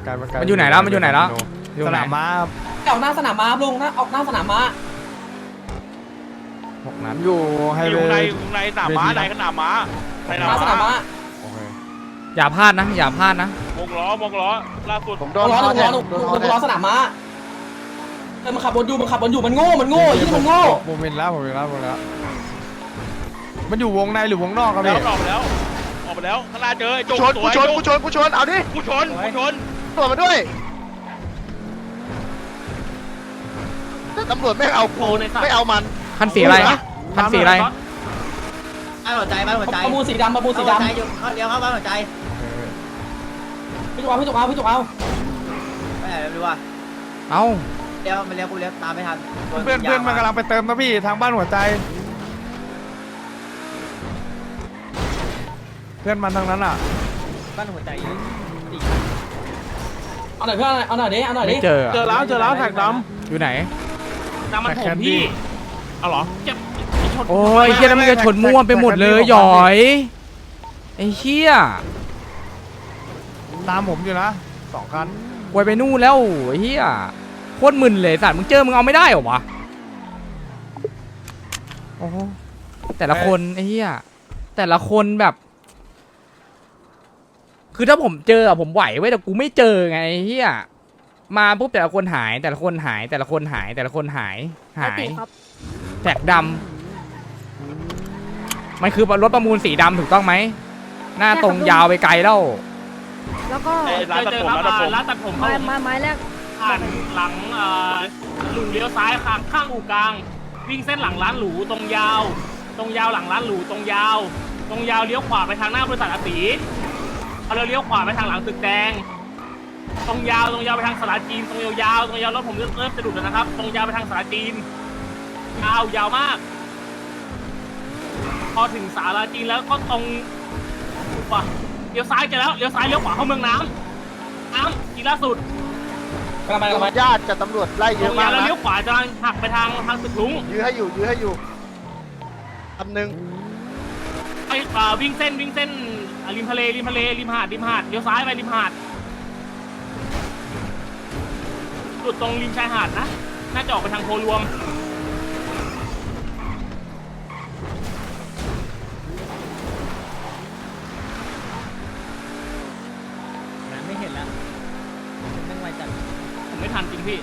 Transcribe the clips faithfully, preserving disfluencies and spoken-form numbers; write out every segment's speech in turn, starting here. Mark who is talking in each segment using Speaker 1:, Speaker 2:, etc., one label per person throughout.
Speaker 1: ไกลมาไกล
Speaker 2: มันอยู่ไหนแล้วมันอยู่ไหนแล้วอยู่
Speaker 1: ส
Speaker 2: ไหน
Speaker 1: นามม้า
Speaker 3: ออกหน้าสนามม้าลุงนะออกหน้าสนามม้า
Speaker 2: หกนัด
Speaker 1: อยู่ไฮ
Speaker 4: อ
Speaker 1: เว
Speaker 4: ยู่
Speaker 1: ย์
Speaker 4: ในในสนามม้าในสนามม้าใน
Speaker 3: หน้าสนามม้า
Speaker 1: โอเค
Speaker 2: อย่าพลาดนะอย่าพลาดนะ
Speaker 4: วงล้อวงล้อล่าสุด
Speaker 5: ผมโด
Speaker 3: โด
Speaker 5: น
Speaker 3: นล้อ
Speaker 5: เขา
Speaker 3: โดน
Speaker 5: แท
Speaker 3: ล้อง โดน
Speaker 5: โดน
Speaker 3: โด
Speaker 5: เขา
Speaker 3: น
Speaker 5: แท
Speaker 3: ล้อง สนามม้าเออมันขับบนอยู่มันขับบนอยู่มันโง่มันโง่ยี่มันโง่
Speaker 1: ผมเห็นแล้วผมเห็นแล้วผมเห็นแล้วมันอยู่วงในหรือวงนอกครับ
Speaker 4: แล้ว
Speaker 1: พี่
Speaker 4: ออกไปแล้วออกไปแล้วข้างหน้าเจอไอ้
Speaker 5: กู
Speaker 4: จุก
Speaker 5: ชนกูชนกูชนกูชนเอาดิ
Speaker 4: กูชนกูชน
Speaker 5: ตำรวจมาด้วยแต่ตำรวจไม่เอากูไม่เอามัน
Speaker 2: คันสีอะไรคันสีอะไร
Speaker 6: บ้านหัวใจบ้านหัวใจ
Speaker 3: ประมูลสีดำประมูลสี
Speaker 6: หัวใจ
Speaker 3: ดำ
Speaker 6: อยู่เลี้ยวเข้าบ้านหัวใจ
Speaker 3: พี่จุกเอาพี่จุกเอาพี่จุกเอา
Speaker 6: ไปไหนไม่รู้ว่า
Speaker 2: เอ้า
Speaker 6: เลี้ยวมันเลี้ยวกูเลี้ยวตามไม่ทัน
Speaker 1: เพื่อนเพื่อนมันกำลังไปเติมนะพี่ทางบ้านหัวใจ เพื่อนมันทางนั้นอ่ะ
Speaker 6: บ้านหัวใจ
Speaker 3: เอาหน่อยเพื่อนเอาหน่อยดิเอาหน่อยดิ
Speaker 2: ไม่เจอ
Speaker 1: เจอแล้วเจอแล้วแท็กด
Speaker 2: อยู่ไหน
Speaker 1: ำมันผมพี่เอาเหรอ
Speaker 2: โอ้ยเฮียแล้วมันจะชนมั่วไปหมดเลยหยอยไอ้เชี่ย
Speaker 1: ตามผมอยู่นะสองคัน
Speaker 2: ไวไปนู่นแล้วไอ้เฮียโคตรมึนเลยสัตว์มึงเจอมึงเอาไม่ได้เหรอวะโอ้โหแต่ละคนไอ้เฮียแต่ละคนแบบ คือถ้าผมเจออะผมไหวไว้ยแต่กูไม่เจอไงไอ้เฮียมาปุ๊บแต่ละคนหายแต่ละคนหายแต่ละคนหายแต่ละคนหายหายแท็กดำมันคือรถประมูลสีดำถูกต้องไหมหน้าตรงยาวไปไกลแล้ว
Speaker 7: แล้วก็
Speaker 4: ไอ้ร้านตัดผมร้านตัดผม
Speaker 8: ร้านตัดผม
Speaker 7: ไม้ไม้ไม้แรก
Speaker 8: ผ่านหลังเอ่อหลุมเลี้ยวซ้ายข้างข้างอู่กลาง วิ่งเส้นหลังร้านหรูตรงยาว ตรงยาวหลังร้านหรูตรงยาว ตรงยาวเลี้ยวขวาไปทางหน้าบริษัทอาตีเอาเราเลี้ยวขวาไปทางหลังตึกแดง ตรงยาวตรงยาวไปทางสาราจีนตรงยาวๆตรงยาวรถผมเริ่มเริ่มจะดุดแล้วนะครับ ตรงยาวไปทางสาราจีนยาวยาวมาก พอถึงสาราจีนแล้วก็ตรงว่ะเลี้ยวซ้ายเจอแล้วเลี้ยวซ้ายเลี้ยวขวาเข้าเมืองน้ำน้ำทีล่าสุด
Speaker 3: กำลังไปกำลังไป
Speaker 5: ญาติกับตำรวจไล่เย
Speaker 8: ตร
Speaker 5: อะ
Speaker 8: ง
Speaker 5: มาก
Speaker 8: ยาวแล้ว
Speaker 5: นะ
Speaker 8: เลี้ยวขวาจะหักไปทางทางตึกลุง
Speaker 5: ยื้อให้อยู่ยื้อให้อยู่คำหนึ่ง
Speaker 8: ไปเอ่อวิ่งเส้นวิ่งเส้นอ่ะริมทะเลริมทะเลริมหาดริมหาดเลี้ยวซ้ายไปริมหาดจุดตรงริมชายหาดนะน่าจะออกไปทางโพรวม
Speaker 6: ไม่เห็นแล้วไม่ไวจัด
Speaker 8: ผมไม่ทันจริงพี่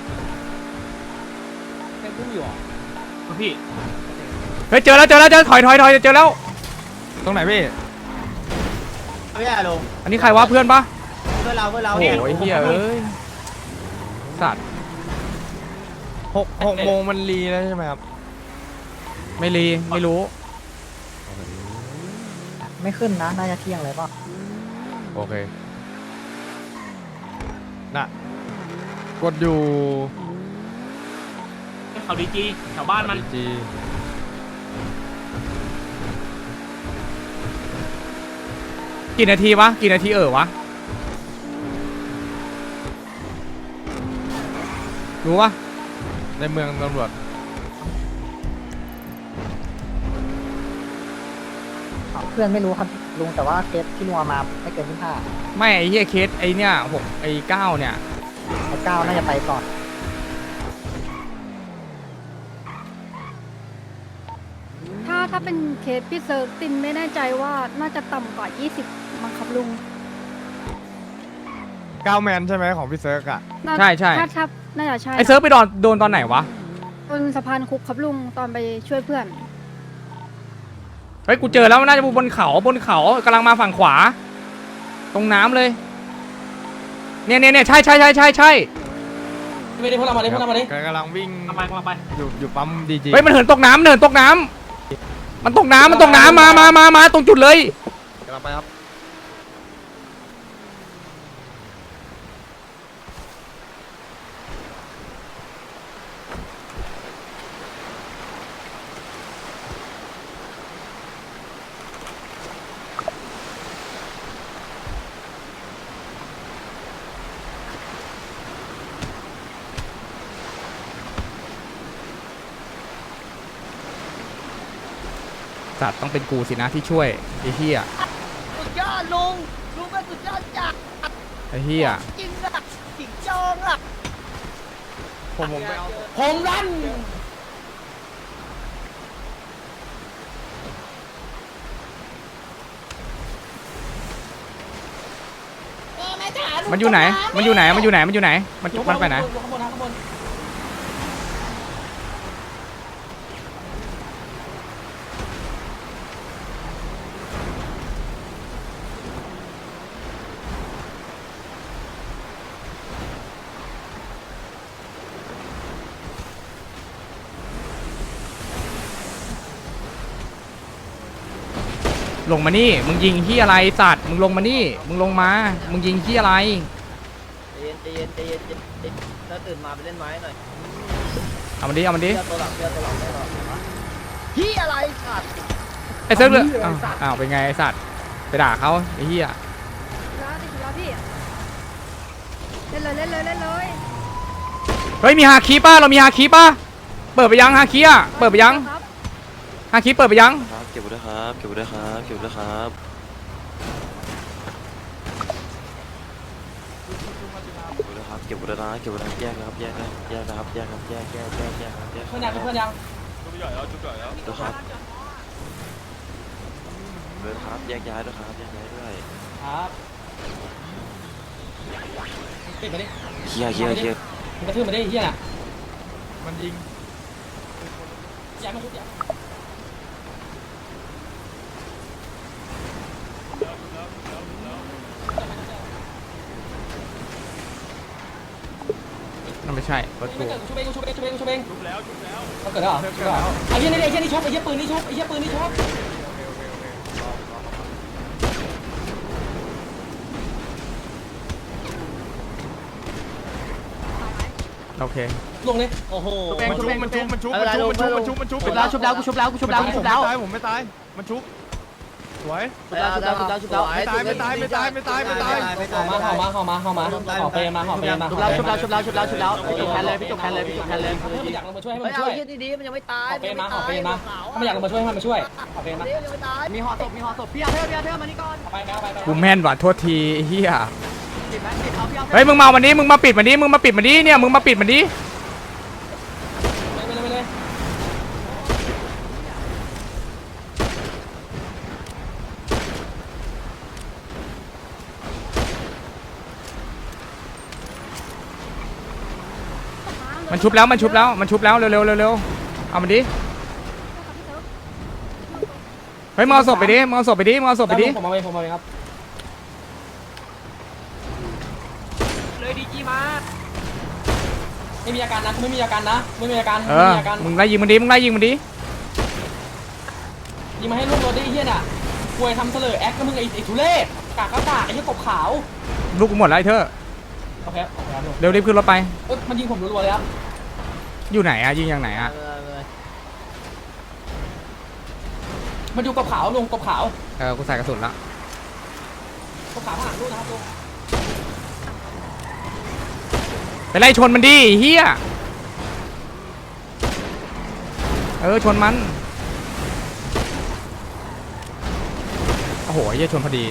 Speaker 6: ยังพุ่งอยู่อ่ะ
Speaker 8: พี่
Speaker 2: เฮ้ยเจอแล้วเจอแล้วเจอถอยถอยถอยเจอแล้ว
Speaker 1: ตรงไหนพี่
Speaker 6: ไม่ได้ลง
Speaker 2: อันนี้ใครวะเพื่อนปะ
Speaker 6: เพื่อเราเพื่อเรา
Speaker 2: โอ้ยเฮียเอ้ยสัตว์
Speaker 1: หกหกโมงมันรีแล้วใช่ไหมครับ
Speaker 2: ไม่รีไม่รู้
Speaker 6: ไม่ขึ้นนะน่าจะเที่ยงเลยป่ะ
Speaker 2: โอเค
Speaker 1: น่ะกดอยู่
Speaker 8: เขาดีจีแถวบ้านมัน
Speaker 1: จี
Speaker 2: กี่นาทีวะกี่นาทีเออวะรู้ปะ
Speaker 1: ในเมืองตำรวจ
Speaker 6: เพื่อนไม่รู้ครับลุงแต่ว่าเคสที่ลุงเอามาไม่เกินที่ห้า
Speaker 2: ไม่ไอ้เฮียเคสไอ้เนี่ยหกไอ้เก้าเนี่ย
Speaker 6: ไอ้เก้าน่าจะไปก่อน
Speaker 7: ถ้าถ้าเป็นเคสพี่เซิร์ฟตินไม่แน่ใจว่าน่าจะต่ำกว่ายี่สิบมั้งครับลุง
Speaker 1: เก้าแมนใช่ไหมของพี่เซิร์กอ่ะ
Speaker 7: น่า
Speaker 2: ใช่ใช่
Speaker 7: ถ้าถ้าน่าจะใช่
Speaker 2: ไอ้เซิร์ฟไปโดนโดนตอนไหนวะ
Speaker 7: บนสะพานคุกครับลุงตอนไปช่วยเพื่อน
Speaker 2: เฮ้ยกูเจอแล้วน่าจะบนเขาบนเขากำลังมาฝั่งขวา ตรงน้ำเลยเนี่ยเนี่ยเนี่ยใช่ใช่ใช่ใช่ใช่
Speaker 3: ไม่ได้พวกเรามาดิพวกเรามาดิ
Speaker 1: กำลังวิ่ง
Speaker 8: กำลังไปกำลังไป
Speaker 1: อยู่อยู่ปั๊มดีจี
Speaker 2: เฮ้ยมันเหินตกน้ำเหินตกน้ำมันตกน้ำมันตกน้ำมามามามาตรงจุดเลย
Speaker 5: กำลังไปครับ
Speaker 2: สัตว์ต้องเป็นกูสินะที่ช่วยไอ้เหี้ย
Speaker 6: สุดยอดลุงลุงเป็นสุดยอดจัด
Speaker 2: ไอ้เหี้ย
Speaker 6: จริงอะ
Speaker 1: ผมผมไปเอา
Speaker 3: ผมรัน
Speaker 2: มันอยู่ไหนมันอยู่ไหนมันอยู่ไหนมันอยู่ไหนมันมันไปไหน
Speaker 3: ข้างบนนะข้างบน
Speaker 2: ลงมานี่มึงยิงที่อะไรสัตว์มึงลงมานี่มึงลงมามึงยิงที่อะไร
Speaker 6: ใจเย็นใจเย็นใจเย็นใจเย็นถ้าตื่นมาไปเล่นไม้หน่อย
Speaker 2: เอามันดิเอามันดิ
Speaker 6: เชื่อตัวหลังเชื่อตัวหลังได้หรอพี่อะไรสัตว์
Speaker 2: ไอ้เซิร์ฟเลยอ้าวอ้าวเป็นไงไอ้สัตว์ไปด่าเขาไอ้เหี้ย
Speaker 7: แล้วติดแล้วพี่เล่นเลยเล่นเลยเล่นเลย
Speaker 2: เฮ้ยมีฮาคีป่ะเรามีฮาคีป่ะเปิดไปยังฮาคีอ่ะเปิดไปยัง
Speaker 7: ครับ
Speaker 2: ฮาคีเปิดไปยัง
Speaker 9: ครับเก็บไว้ด้วยครับเก็บไว้ด้วยครับเก็บไว้ด้วยครับเก็บไว้ด้วยครับเก็บไว้ด้วยนะเก็บไว้ด้วยนะแยกนะครับแยกนะแยกนะครับแยกครับแยกแยกแยกแยกครับแยก
Speaker 3: เพื่อนยังเพื่อนยัง
Speaker 4: ชุบใหญ่แล้วชุบใหญ่แล้ว
Speaker 9: ด้วยครับด้วยครับแยกย้ายด้วยครับแยกย้ายด้วย
Speaker 3: ครับปิดมาดิ
Speaker 9: เคลียร์เคลียร์เคลียร์
Speaker 3: มันกระทืบมาดิเฮียน่ะ
Speaker 1: มันยิง
Speaker 3: ย้ายมาชุบย้าย
Speaker 2: นั่นไม่ใช่รถ
Speaker 3: ชุบ
Speaker 2: กู
Speaker 3: เองชุบเองชุบเองชุบเองชุบเอง
Speaker 4: ชุบแล้วชุบแล้ว
Speaker 3: เขาเกิดแล้วเหรอชุบแล้วไอ้เฮียนี่ไอ้เฮียนี่ชุบไอ้เฮียปืนนี่ชุบไอ้เฮียปืนนี่ชุบ
Speaker 2: โอเค
Speaker 3: ลงเลย
Speaker 6: โอ้โห
Speaker 1: มันชุบมันชุบมันชุบมันชุบมันชุบมันชุบมันชุบ
Speaker 6: ชุบแล้วชุบแล้วกูชุบแล้วกูชุบแล้วกูชุบแล้ว
Speaker 1: ผมไม่ตายผมไม่ตายมันชุบสวย
Speaker 6: ชุบแล้วชุบแล้วชุบแล้วชุบแล้ว
Speaker 1: ไม่ตายไม่ตายไม่ตายไม่ตายไม่ตาย
Speaker 3: ห่อมาห่อมาห่อมาห่อมาห่อเปรมาห่อเปรมา
Speaker 6: ชุบแล้วชุบแล้วชุบแล้วชุบแล้วชุบแล้วพี่จุกแทนเลยพี่จุกแทนเลยพี่จุกแทนเลย
Speaker 3: เพื่อนอยากลงมาช่วยให้
Speaker 6: เฮ้
Speaker 3: มั
Speaker 6: ย
Speaker 3: น
Speaker 6: เอา
Speaker 3: ช่วย
Speaker 6: เฮียดีๆมันยังไม่ตาย
Speaker 3: ห่อเปรมาห่อเปรมาถ้าไม่อยากลงมาช่วยให้มันมาช่วยห่อเปรมา
Speaker 6: ยังไม่ตายมีห่อศพมีห่อศพพี่อาเธอร์พี่อาเธอร์มานี่ก่อน
Speaker 3: ไปไปไปไป
Speaker 2: กูแม่นว่ะโทษทีไอ้เหี้ย
Speaker 6: ปิดแมสปิดเขาพี่อาเธอร์
Speaker 2: เฮ้ยมึงมาวันนี้มึงมาปิดมันดิมึงมาปิดมันดิเนี่ยมึงมาปิดมันดิ
Speaker 3: ไปเลยไปเลย
Speaker 2: มันชุบแล้วมันชุบแล้วมันชุบแล้วเร็วเร็วเร็วเร็วเอามันดิเฮ้ยมึงเอาศพไปดิมึงเอาศพไปดิมึงเอาศพไปดิ
Speaker 3: ผมมาเองผมมาเองครับ
Speaker 8: เลยดีจีมา
Speaker 3: ไม่มีอาการนะไม่มีอาการนะไม่มีอาการ
Speaker 2: เอ
Speaker 3: ไม่
Speaker 2: อ
Speaker 3: มีอาการ
Speaker 2: มึงไล่ยิงมันดิมึงไล่ยิงมันดิ
Speaker 3: ยิงมาให้ลูกรถได้เฮียน่ะควยทำเสลอแอคก็มึงไอ้ไอ้ทุเรศกากก็กากไอ้เหี้ยกบขาว
Speaker 2: ลูกกูหมดแล้วไอ้เธอ
Speaker 3: โอเคโอเคครับลุง
Speaker 2: เร็วรีบขึ้นรถไป
Speaker 3: เอ้ยมันยิงผมรัวๆเลยครับ
Speaker 2: อยู่ไหนอะยิงอย่างไหนอะ
Speaker 3: มันอยู่กบขาวลุงกบขาว
Speaker 2: เออกูใส่กระสุนละ
Speaker 3: กบขาวข้างหลังลูกนะครับลุง
Speaker 2: ไปไล่ชนมันดิเฮียเออชนมันโอ้โหเฮียชนพอดี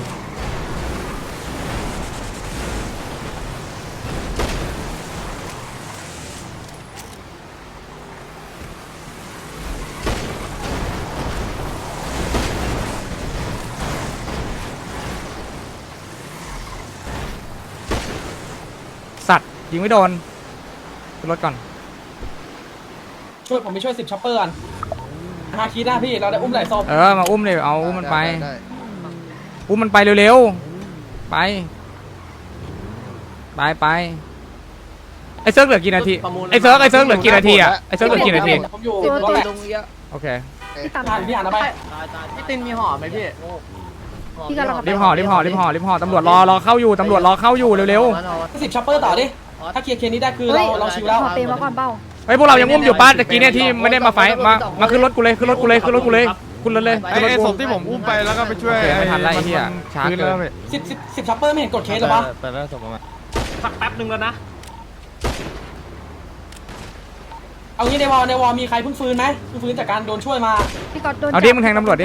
Speaker 2: สัตว์ยิงไม่โดนขึ้นรถก่อน
Speaker 3: ช่วยผมไปช่วยสิบช็อปเปอร์กันฮาคีหน้าพี่เราได้อุ้มไหล่ศพ
Speaker 2: เออมาอุ้มเลยเอาอุ้มมันไปอุ้มมันไปเร็วๆไปไปไปไอ้เซิร์ฟเหลือกี่นาทีไอ้เซิร์ฟไอ้เซิร์ฟเหลือกี่นาทีอะไอ้เซิร์ฟเหลือกี่นาที
Speaker 3: ผมอยู่
Speaker 7: ตัว
Speaker 3: รถ
Speaker 7: ตัว
Speaker 3: แหละ
Speaker 2: โอเค
Speaker 7: พี่ตาม
Speaker 3: ผ่านพี่อ่านเอาไป
Speaker 6: พี่ตินมีห่อไหมพี่
Speaker 7: พี่กำลัง
Speaker 2: รีบห่อรีบห่อรีบห่อรีบห่อตำรวจรอรอเข้าอยู่ตำรวจรอเข้าอยู่เร็ว
Speaker 3: สิบช็อปเปอร์ต่อดิถ้าเคลียร์เคลียร์นี้ได้คือเราเราชิวแล้ว
Speaker 7: ขอเปย์มาก่อนเบ้า
Speaker 2: ๆเฮ้ยพวกเรายังอุ้มอยู่ป้าตะกี้เนี่ยที่ไม่ได้มาไฟท์มามาขึ้นรถกูเลยขึ้นรถกูเลยขึ้นรถกูเลยขึ้นรถเลย
Speaker 1: ไอ้
Speaker 2: ขึ้นรถ
Speaker 1: ไอ้
Speaker 2: กู
Speaker 1: ศพที่ผมอุ้มไปแล้วก็ไปช่วย
Speaker 2: โอเคไม่ทันไล่ไอ้เหี้ยช้าเกิน
Speaker 1: คืแล้ว
Speaker 3: สิบสิบสิบช็อปเปอร์ไม่เห็นกดเคสหรอปะ
Speaker 1: ไปแล้วศพมา
Speaker 8: สักแป๊บหนึ่งแล้วนะ
Speaker 3: เอางี้ในวอลในวอลมีใครเพิ่งฟื้นไหมเพิ่งฟื้นจากการโดนช่วยมา
Speaker 7: พี่กอดโดน
Speaker 2: เอาดิมึงแทงตำรวจดิ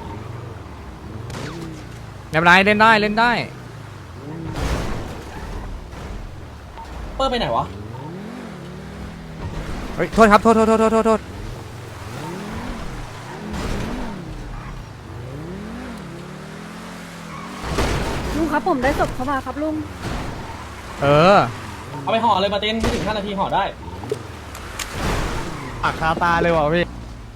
Speaker 2: ไม่เป็นไรเล่นได้เล่นได้
Speaker 3: เปอร์ไปไหนวะ
Speaker 2: ฮ้ยโทษครับโทษโทษโทษโทษโทษโทษ
Speaker 7: ลุงครับผมได้ศพเข้ามาครับลุง
Speaker 2: เออ
Speaker 3: เอาไปห่อเลยมาร์ตินไม่ถึงห้านาทีห่อได้
Speaker 1: อักคาตาเลยว่ะพี่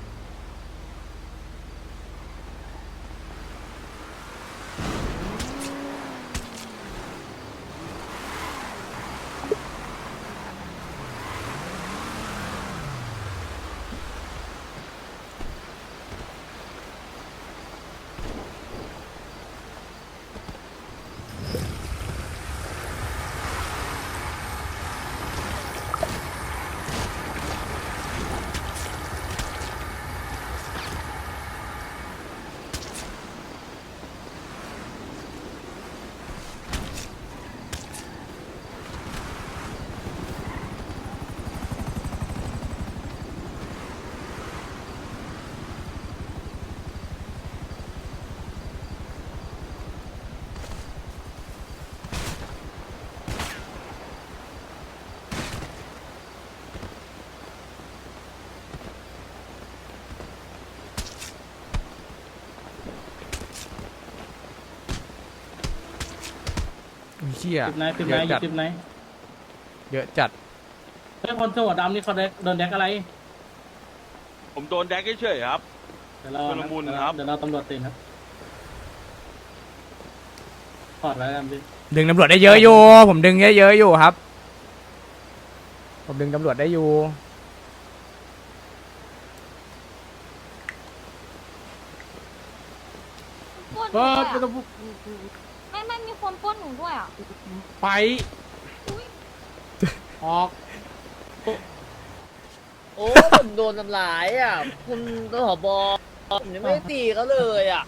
Speaker 2: เชี่ย
Speaker 8: ติดไหนติด
Speaker 2: เย
Speaker 8: ไหน
Speaker 2: อะจัด
Speaker 8: ติดไหน
Speaker 2: เยอะจัด
Speaker 8: เฮ้ยคนเสื้อหัวดำนี่เขาโดนแดกอะไร
Speaker 4: ผมโดนแดกเฉยๆครับ
Speaker 8: เดี๋ยวเรา
Speaker 4: ชุลมุนครับ
Speaker 8: เดี๋ยวเราตำรวจตีนครับถอดไว้กันพี่
Speaker 2: ดึงตำรวจได้เยอะอยู่ผมดึงเยอะๆอยู่ครับ ผมดึงตำรวจได้อยู่
Speaker 7: ปล้นหนูด้วยอะไม่ไม่มีคนปล้นหนูด้วยอ่ะ
Speaker 3: ไปออก
Speaker 6: โอ้ผมโดนทำร้ายอ่ะคุณตหบผมยังไม่ได้ตีเขาเลยอ่ะ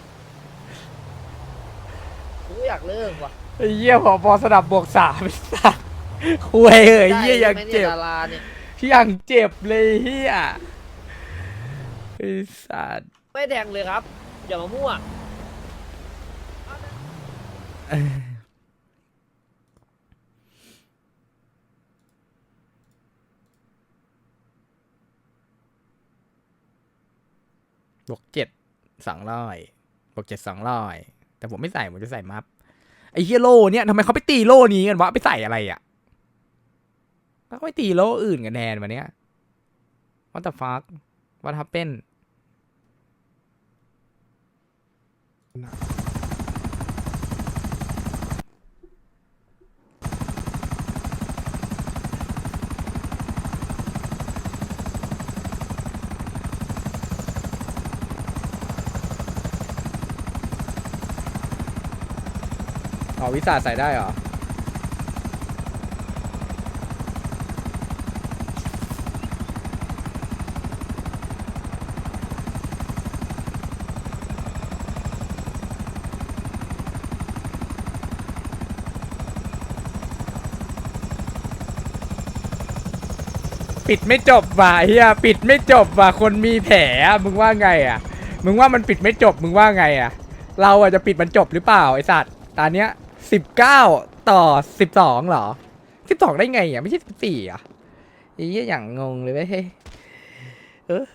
Speaker 6: กูอยากเลิกว่ะ
Speaker 2: ไอ้เหี้ยผอสนับบวกสามไอ้สัสคุยเอ้ยเหี้ยยังเจ็บ
Speaker 6: ดาราเนี่ย
Speaker 2: ยังเจ็บเลยเหี้ยไอ้สัส
Speaker 6: ไม่แดงเลยครับ อย่ามามั่ว บวกเจ็ดสองร้อยบวกเจ็ดสองร้อยแต่ผมไม่ใส่ผมจะใส่มัฟไอ้เฮียโล่เนี่ยทำไมเขาไปตีโล่นี้กันวะไปใส่อะไรอ่ะแล้วก็ไปตีโล่อื่นกันแทนวันเนี้ย What the fuck What happened อ๋อวิสาใส่ได้เหรอ ปิดไม่จบว่ะเฮียปิดไม่จบว่ะคนมีแผลอะมึงว่าไงอ่ะมึงว่ามันปิดไม่จบมึงว่าไงอ่ะเราอ่ะจะปิดมันจบหรือเปล่าไอสัตว์ตอนเนี้ยสิบเก้าต่อสิบสองเหรอสิบสองได้ไงอ่ะไม่ใช่สิบสี่อ่ะไอ้เหี้ยอย่างงงเลยเว้ยเออ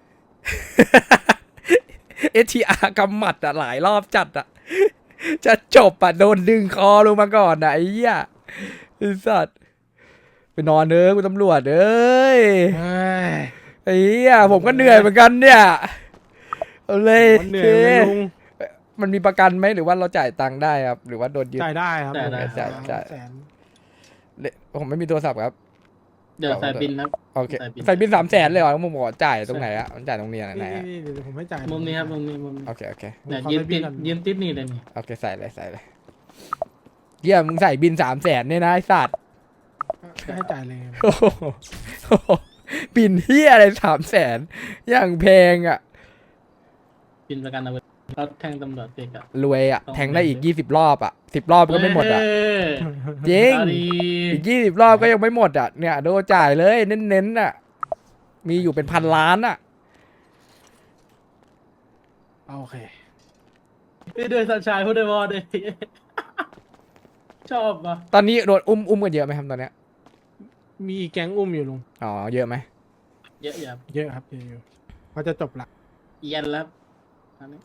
Speaker 6: เอทีอาร์กำหมัดอ่ะหลายรอบจัดอ่ะจะจบอ่ะโดนดึงคอลงมาก่อนอ่ะไอ้เหี้ยไอ้สัตว์ไปนอนเด้อคุณตำรวจเอ้ย
Speaker 1: เฮ้ย
Speaker 2: ไอ้เหี้ยผมก็เหนื่อยเหมือนกันเนี่ยเอาเลย
Speaker 1: มันเหนื่อยไหมลุง
Speaker 2: มันมีประกันไหมหรือว่าเราจ่ายตังค์ได้ครับ หรือว่าโดนยึด
Speaker 1: จ่ายได้ครับ
Speaker 8: จ่ายได้
Speaker 2: จ่ายจ่าย
Speaker 1: แสน
Speaker 2: ผมไม่มีโทรศัพท์ครับ
Speaker 8: เดี๋ยวใส่บินครับ
Speaker 2: โอเค
Speaker 8: ใส่บิน
Speaker 2: ใส่บินสามแสนเลยเหรอผมบอกจ่ายตรงไหนอะมันจ่ายตรงนี้ไหน
Speaker 1: นี่
Speaker 2: อะ
Speaker 1: นี่เดี๋ยวผมให้จ่าย
Speaker 8: มุมนี้ครับมุมนี้มุมนี้
Speaker 2: โอเคโอเค
Speaker 8: เนี่ย
Speaker 1: ผมขอ
Speaker 8: ยืน
Speaker 1: ใส่บิ
Speaker 8: ติ
Speaker 1: น
Speaker 8: ด
Speaker 1: ก่อน
Speaker 8: ยืนติดนี่เลยนี่
Speaker 2: โอเคใส่เลยใส่เลยเยี่ยมึงใส่บินสามแสนเนี่ยนะไอ้สัตว์
Speaker 1: ก็ให้จ่ายเลย
Speaker 2: โอ้โหบินเฮียอะไรสามแสนอย่างแพงอะ
Speaker 8: บินประกันเอาไว้เขาแทงตำรวจเด็กอะ
Speaker 2: รวยอะแทงได้อีกยี่สิบรอบอะสิบรอบก็ไม่หมดอะ
Speaker 8: เอ้ย
Speaker 2: จริง
Speaker 8: เอาดี
Speaker 2: อีกยี่สิบรอบก็ยังไม่หมดอ่ะเนี่ยโดนจ่ายเลยเน้นๆอ่ะมีอยู่เป็นพันล้านอ่ะ
Speaker 1: โอเค
Speaker 8: พี่ด้วยสัญชายพูดด้วยวอด้วย ชอบอ่ะ
Speaker 2: ตอนนี้โดนอุ้มอุ้มกันเยอะไหมครับตอนเนี้ย
Speaker 1: มีแก๊งอุ้มอยู่ลุง
Speaker 2: อ๋อเยอะไหม
Speaker 3: เยอะอยู่ครับ
Speaker 1: เยอะครับเยอะอยู่เขาจะจบละ
Speaker 3: เอียนแล้วอันนี้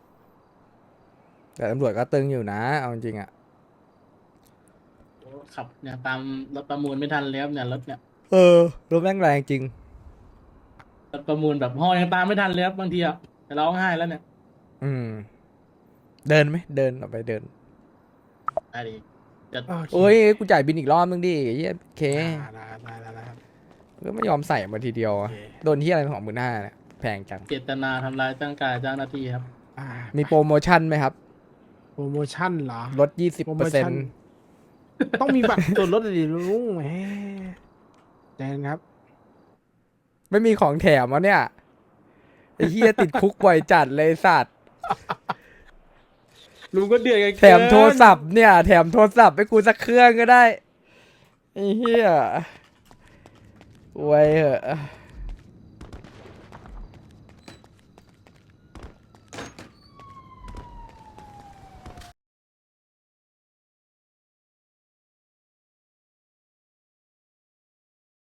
Speaker 6: แต่ตำรวจก็ตึงอยู่นะเอาจริงๆอ่ะ
Speaker 3: โอ้ขับเนี่ยตามรถประมูลไม่ทันแล้วเนี่ยรถเนี่ย
Speaker 6: เออรถแม่งแรงจริง
Speaker 3: รถประมูลแบบห่อยังตามไม่ทันเลยครับบางทีอ่ะจะร้องไห้แล้วเนี่ย
Speaker 6: อืม เดินไหมเดินออกไปเดิน
Speaker 3: ได้ดิจะ
Speaker 6: โอ้ยกูจ่ายบินอีกรอบนึงดิเฮียเค
Speaker 1: ได้ได้ได้ได้ครับ
Speaker 6: ก็ไม่ยอมใส่มาทีเดียวอะ
Speaker 1: โอเค
Speaker 6: โดนที่อะไรของหมื่นห้าเนี่ยแพงจัง
Speaker 3: เจตนาทำร้ายร่างกายเจ้าหน้าที่ครับ
Speaker 1: อ่า
Speaker 6: มีโปรโมชั่นไหมครับ
Speaker 1: โปรโมชั่นเหรอ
Speaker 6: ลดยี่สิบ
Speaker 1: โปร
Speaker 6: เปอ
Speaker 1: โม
Speaker 6: ร์เซ็น
Speaker 1: ชั่น
Speaker 6: ต์
Speaker 1: ต้องมีบัตรส่วนลดดิลุงแหมแดงครับ
Speaker 6: ไม่มีของแถมวะเนี่ยไอ้เฮียติดคุกบ่อยจัดเลยสัตว์
Speaker 3: ลุงก็เดือดกัน
Speaker 6: แถมโทรศัพท์เนี่ย แถมโทรศัพท์ให้กูสักเครื่องก็ได้ไอ้เฮียไว้เหอะ